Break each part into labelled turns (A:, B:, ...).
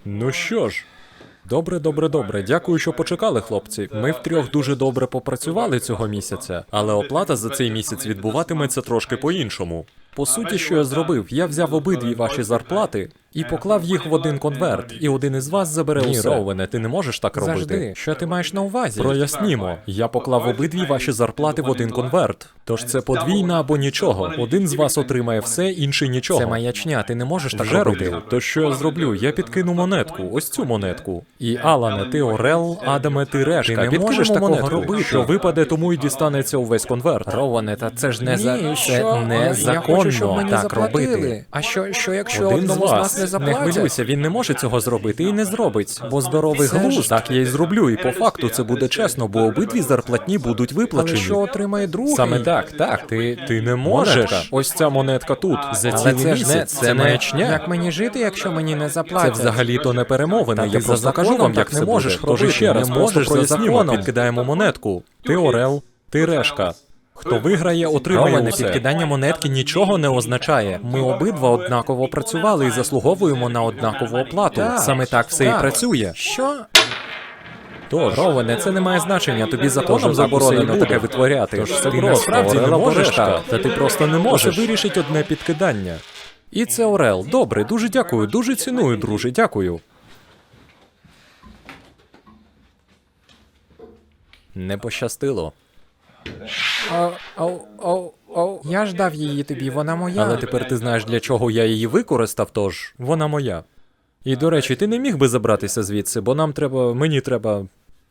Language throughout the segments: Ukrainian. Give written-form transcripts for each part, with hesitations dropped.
A: Ну що ж, добре. Дякую, що почекали, хлопці. Ми втрьох дуже добре попрацювали цього місяця, але оплата за цей місяць відбуватиметься трошки по-іншому. По суті, що я зробив? Я взяв обидві ваші зарплати і поклав їх в один конверт, і один із вас забере усе. Роуене, ти не можеш так робити.
B: Завжди.
A: Що ти маєш на увазі? Прояснімо. Я поклав обидві ваші зарплати в один конверт. Тож це подвійна або нічого. Один з вас отримає все, інший нічого.
B: Це маячня, ти не можеш так
A: Вже
B: робити.
A: робив. То що я зроблю? Я підкину монетку, ось цю монетку. І Алане, ти Орел, Адаме, ти Решка.
B: Ти не
A: Підкинемо
B: можеш такого
A: монетку,
B: робити.
A: що випаде, тому і дістанеться увесь конверт.
B: Роуене, та це ж
A: Ні,
B: це
A: що?
B: незаконно
A: Я хочу, щоб мені
B: так
A: заплатили.
B: робити. А що якщо
A: Один
B: одному
A: з
B: з
A: вас
B: нас не
A: не
B: заплатять?
A: хвилюйся, він не може цього зробити і не зробить, бо здоровий
B: Це ж-
A: глузд. Так я й зроблю, і по факту це буде чесно, бо обидві зарплатні будуть
B: Але
A: виплачені.
B: що отримає другий?
A: Саме так, ти не можеш.
B: Монетка.
A: Ось ця монетка тут. За
B: Але
A: цілий
B: це ж не
A: місяць. Це маячня.
B: Як мені жити, якщо мені не
A: Це
B: заплатять?
A: взагалі-то не перемовини,
B: Та
A: я
B: ти за
A: просто кажу
B: законом
A: вам, як
B: так
A: це
B: не можеш
A: буде. Тож
B: робити,
A: ще раз,
B: не
A: просто
B: можеш за
A: прояснімо,
B: законом.
A: підкидаємо монетку. Ти Орел, ти Решка. Хто виграє, отримає
B: Роване,
A: усе.
B: підкидання монетки нічого не означає. Ми обидва однаково працювали і заслуговуємо на однакову оплату.
A: Так,
B: Саме так все
A: так.
B: і працює. Що?
A: Тож,
B: Роване, це не має значення, тобі законом
A: законом
B: заборонено
A: заборонено
B: таке витворяти.
A: Тож це
B: Ти
A: просто
B: насправді не
A: Орел або
B: можеш
A: Решка.
B: так.
A: Та ти просто не можеш. Це вирішить одне підкидання. І це Орел. Добре, дуже дякую, дуже ціную, друже, дякую. Не пощастило.
B: Я ж дав її тобі, вона моя.
A: Але тепер ти знаєш, для чого я її використав, тож вона моя. І, до речі, ти не міг би забратися звідси, бо мені треба.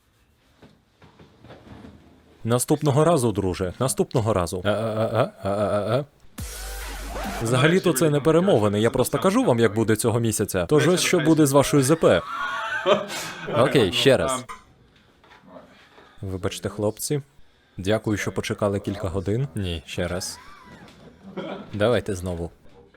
A: Наступного разу, друже, наступного разу. Взагалі-то це не перемовини, я просто кажу вам, як буде цього місяця. Тож ось що буде з вашою ЗП. Окей, ще раз. Вибачте, хлопці. Дякую, що почекали кілька годин. Ні, ще раз. Давайте знову.